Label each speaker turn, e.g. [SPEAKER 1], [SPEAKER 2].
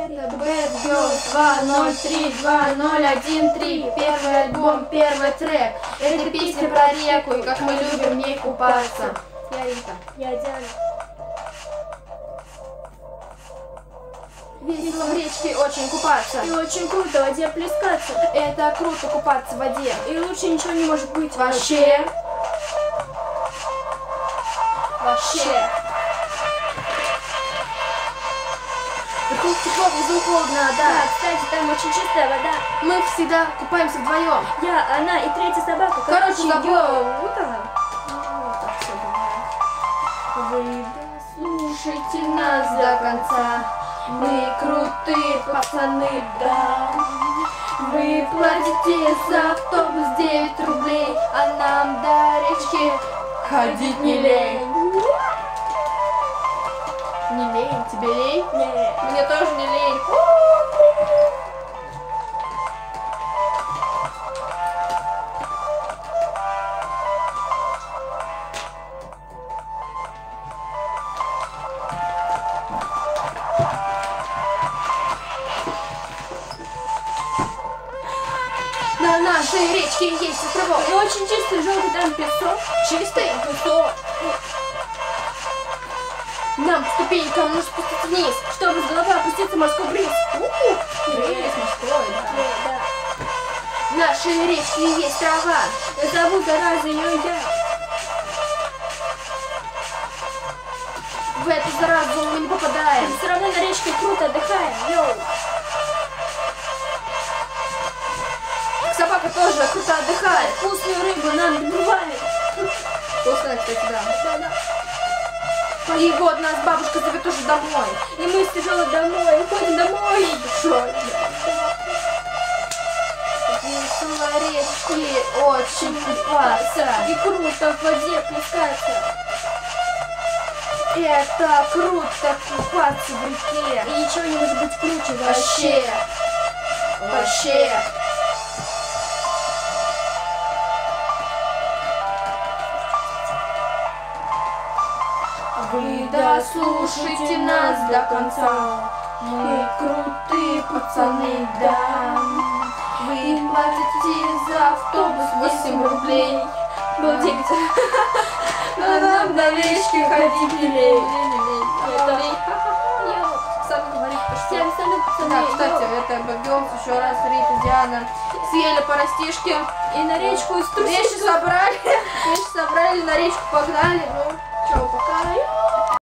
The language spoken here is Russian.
[SPEAKER 1] Это Bad Girls 2032013. Первый альбом, первый трек. Это песня про реку и как мы любим в ней купаться. Я Рита.
[SPEAKER 2] Я Диана.
[SPEAKER 1] Весело в речке очень купаться.
[SPEAKER 2] И очень круто в воде плескаться.
[SPEAKER 1] Это круто купаться в воде.
[SPEAKER 2] И лучше ничего не может быть
[SPEAKER 1] Вообще. Вообще. Вокруг тепло, внизу холодно, да.
[SPEAKER 2] Да, кстати, там очень чистая вода.
[SPEAKER 1] Мы всегда купаемся вдвоем.
[SPEAKER 2] Я, она и третья собака.
[SPEAKER 1] Короче, забыла.
[SPEAKER 2] Вы
[SPEAKER 1] Слушайте нас до конца. Мы крутые пацаны, да. Вы платите за автобус 9 рублей, а нам до речки ходить не лень. Не лень? Тебе лень?
[SPEAKER 2] Нет.
[SPEAKER 1] Мне тоже не лень. На нашей речке есть островок.
[SPEAKER 2] И очень чистый желтый там песок.
[SPEAKER 1] Чистый песок. Нам по ступенькам нужно спуститься вниз,
[SPEAKER 2] Чтобы с головы опуститься в морской бриз.
[SPEAKER 1] Бриз морской, да.
[SPEAKER 2] Да.
[SPEAKER 1] В нашей речке есть трава.
[SPEAKER 2] Зовут зараза ее я.
[SPEAKER 1] В эту заразу мы не попадаем.
[SPEAKER 2] Все равно на речке круто отдыхаем. Йоу.
[SPEAKER 1] Собака тоже круто отдыхает.
[SPEAKER 2] Вкусную рыбу нам добывает.
[SPEAKER 1] Вкусно, кстати, да.
[SPEAKER 2] Да-да.
[SPEAKER 1] И вот нас бабушка зовет уже домой.
[SPEAKER 2] И мы с тяжелой домой уходим домой.
[SPEAKER 1] Душой. Весело речки очень купаться.
[SPEAKER 2] И круто в воде плескаться.
[SPEAKER 1] Это круто купаться в реке.
[SPEAKER 2] И ничего не может быть круче
[SPEAKER 1] Вообще. Вообще. Вы дослушайте нас до конца. Мы крутые пацаны, да. Вы платите за автобус 8 рублей.
[SPEAKER 2] Было 9.
[SPEAKER 1] Но нам до речки ходить не лень. Сам говорит,
[SPEAKER 2] Всем салют, пацаны.
[SPEAKER 1] да, кстати, это Bad Girls, еще раз Рита, Диана съели по растишке.
[SPEAKER 2] И на речку из
[SPEAKER 1] Вещи собрали, на речку погнали, ну.